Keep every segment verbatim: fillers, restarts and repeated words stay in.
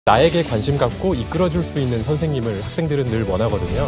나에게 관심 갖고 이끌어줄 수 있는 선생님을 학생들은 늘 원하거든요.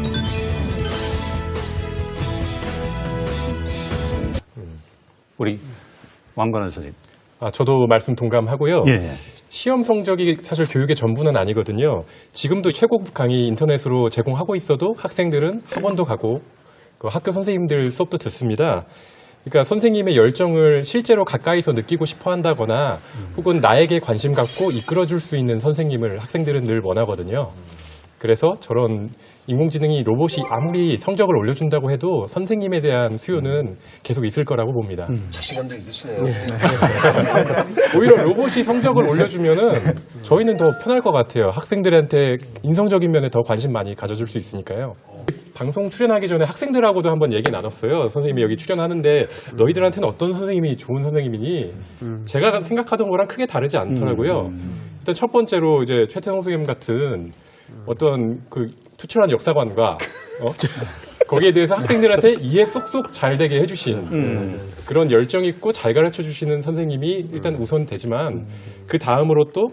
우리 왕관원 선생님. 아, 저도 말씀 동감하고요. 예. 시험 성적이 사실 교육의 전부는 아니거든요. 지금도 최고급 강의 인터넷으로 제공하고 있어도 학생들은 학원도 가고 그 학교 선생님들 수업도 듣습니다. 그러니까 선생님의 열정을 실제로 가까이서 느끼고 싶어 한다거나 혹은 나에게 관심 갖고 이끌어줄 수 있는 선생님을 학생들은 늘 원하거든요. 그래서 저런 인공지능이 로봇이 아무리 성적을 올려준다고 해도 선생님에 대한 수요는 계속 있을 거라고 봅니다. 음. 자신감도 있으시네요. 오히려 로봇이 성적을 올려주면은 저희는 더 편할 것 같아요. 학생들한테 인성적인 면에 더 관심 많이 가져줄 수 있으니까요. 방송 출연하기 전에 학생들하고도 한번 얘기 나눴어요. 선생님이 여기 출연하는데 너희들한테는 어떤 선생님이 좋은 선생님이니? 제가 생각하던 거랑 크게 다르지 않더라고요. 일단 첫 번째로 이제 최태성 선생님 같은 어떤 그 투철한 역사관과 어? 거기에 대해서 학생들한테 이해 쏙쏙 잘 되게 해주신 음. 그런 열정 있고 잘 가르쳐 주시는 선생님이 일단 우선 되지만 그 다음으로 또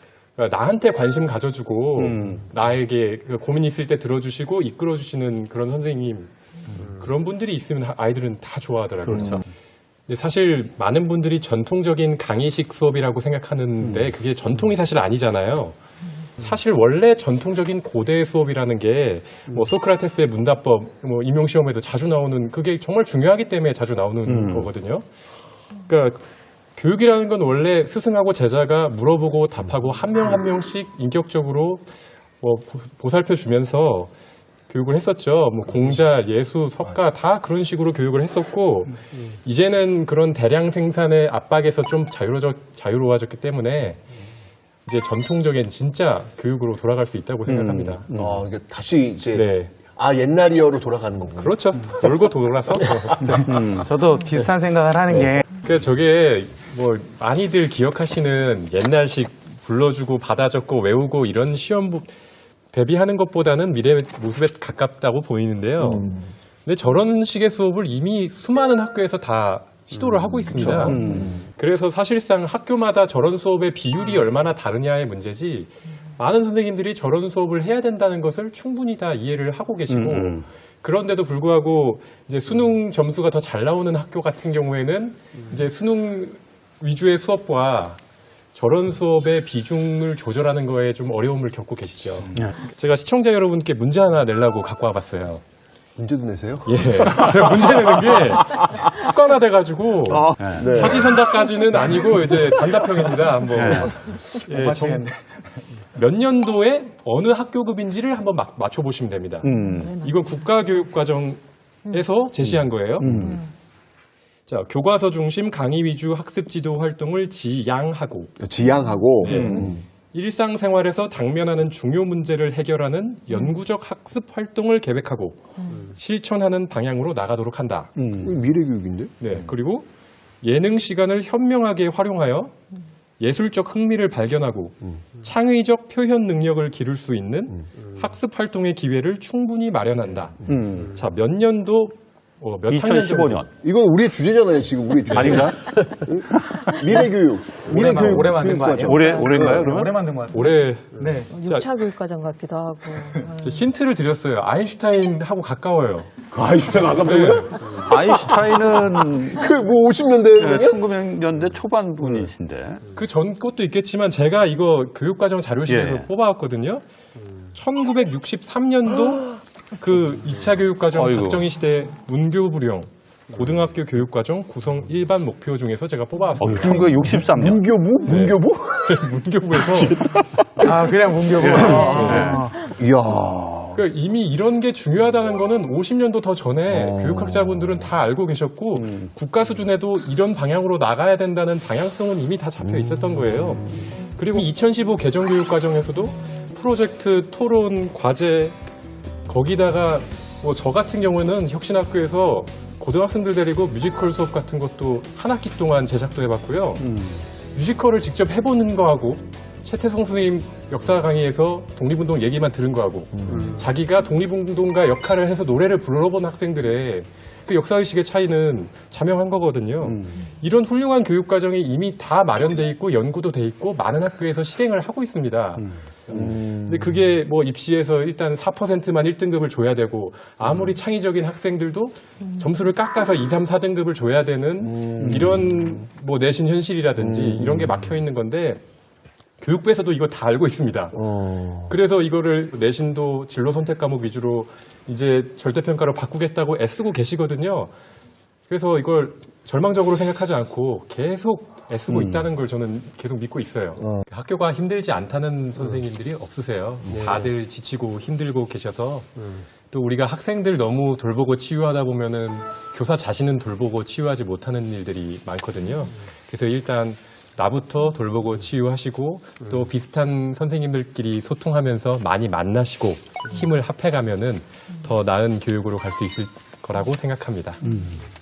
나한테 관심 가져주고 음. 나에게 고민 있을 때 들어주시고 이끌어주시는 그런 선생님 그런 분들이 있으면 아이들은 다 좋아하더라고요. 그렇죠. 근데 사실 많은 분들이 전통적인 강의식 수업이라고 생각하는데 그게 전통이 사실 아니잖아요. 사실 원래 전통적인 고대 수업이라는 게 뭐 소크라테스의 문답법, 뭐 임용 시험에도 자주 나오는 그게 정말 중요하기 때문에 자주 나오는 음. 거거든요. 그러니까 교육이라는 건 원래 스승하고 제자가 물어보고 답하고 한 명 한 명씩 인격적으로 뭐 보살펴 주면서 교육을 했었죠. 뭐 공자, 예수, 석가 다 그런 식으로 교육을 했었고 이제는 그런 대량 생산의 압박에서 좀 자유로워졌, 자유로워졌기 때문에 이제 전통적인 진짜 교육으로 돌아갈 수 있다고 생각합니다. 음. 아, 이게 다시 이제 네, 아 옛날이어로 돌아가는 거군요. 그렇죠. 돌고 돌아서. 음, 저도 비슷한 생각을 하는 게 그 저게 뭐 많이들 기억하시는 옛날식 불러주고 받아 적고 외우고 이런 시험 부- 대비하는 것보다는 미래 모습에 가깝다고 보이는데요. 근데 저런 식의 수업을 이미 수많은 학교에서 다 시도를 하고 있습니다. 음. 그래서 사실상 학교마다 저런 수업의 비율이 얼마나 다르냐의 문제지 많은 선생님들이 저런 수업을 해야 된다는 것을 충분히 다 이해를 하고 계시고 음. 그런데도 불구하고 이제 수능 점수가 더 잘 나오는 학교 같은 경우에는 이제 수능 위주의 수업과 저런 수업의 비중을 조절하는 거에 좀 어려움을 겪고 계시죠. 네. 제가 시청자 여러분께 문제 하나 내려고 갖고 와봤어요. 문제도 내세요? 예. 제가 문제 내는 게 습관화돼가지고 네. 사지선다까지는 아니고 이제 단답형입니다. 한번 예, 정- 몇 년도에 어느 학교급인지를 한번 막 맞춰보시면 됩니다. 음. 이건 국가교육과정에서 제시한 거예요. 음. 자, 교과서 중심 강의 위주 학습 지도 활동을 지양하고 지향하고 네. 음. 일상생활에서 당면하는 중요 문제를 해결하는 연구적 학습 활동을 계획하고 실천하는 방향으로 나가도록 한다. 음. 미래교육인데? 네, 그리고 예능 시간을 현명하게 활용하여 예술적 흥미를 발견하고 창의적 표현 능력을 기를 수 있는 학습 활동의 기회를 충분히 마련한다. 음. 자, 몇 년도 어, 몇 학년 이천십오 년. 이건 우리의 주제잖아요, 지금 우리의 주제. 아닌가? 미래교육. 미래교육. 올해 만든 거 아니에요? 올해, 올해인가요, 그러면? 오래 만든 것 같아요. 올해 네. 자, 육 차 교육과정 같기도 하고. 저 힌트를 드렸어요. 아인슈타인하고 가까워요. 아이슈타인 아깝다고요? 아인슈타인은 그뭐 오십 년대 천구백 년대 초반 분이신데. 그 전 것도 있겠지만 제가 이거 교육과정 자료실에서 예. 뽑아왔거든요. 천구백육십삼 년도 그 이 차 교육과정 아이고. 박정희 시대 문교부령 고등학교 교육과정 구성 일반 목표 중에서 제가 어, 뽑아왔습니다. 천구백육십삼 년. 문교부? 문교부? 문교부에서 아, 그냥 문교부. 아. 이야. 그러니까 이미 이런 게 중요하다는 거는 오십 년도 더 전에 교육학자분들은 다 알고 계셨고 국가 수준에도 이런 방향으로 나가야 된다는 방향성은 이미 다 잡혀 있었던 거예요. 그리고 이천십오 개정교육과정에서도 프로젝트, 토론, 과제 거기다가 뭐 저 같은 경우는 혁신학교에서 고등학생들 데리고 뮤지컬 수업 같은 것도 한 학기 동안 제작도 해봤고요. 뮤지컬을 직접 해보는 거하고 최태성 선생님 역사 강의에서 독립운동 얘기만 들은 거하고 자기가 독립운동가 역할을 해서 노래를 불러본 학생들의 그 역사의식의 차이는 자명한 거거든요. 음. 이런 훌륭한 교육 과정이 이미 다 마련돼 있고 연구도 돼 있고 많은 학교에서 실행을 하고 있습니다. 음. 근데 그게 뭐 입시에서 일단 사 퍼센트만 일 등급을 줘야 되고 아무리 음. 창의적인 학생들도 점수를 깎아서 이, 삼, 사 등급을 줘야 되는 음. 이런 뭐 내신 현실이라든지 이런 게 막혀 있는 건데 교육부에서도 이거 다 알고 있습니다. 어. 그래서 이거를 내신도 진로 선택 과목 위주로 이제 절대평가로 바꾸겠다고 애쓰고 계시거든요. 그래서 이걸 절망적으로 생각하지 않고 계속 애쓰고 있다는 걸 저는 계속 믿고 있어요. 어. 학교가 힘들지 않다는 선생님들이 없으세요. 다들 지치고 힘들고 계셔서 또 우리가 학생들 너무 돌보고 치유하다 보면은 교사 자신은 돌보고 치유하지 못하는 일들이 많거든요. 그래서 일단 나부터 돌보고 치유하시고 또 비슷한 선생님들끼리 소통하면서 많이 만나시고 힘을 합해가면은 더 나은 교육으로 갈 수 있을 거라고 생각합니다.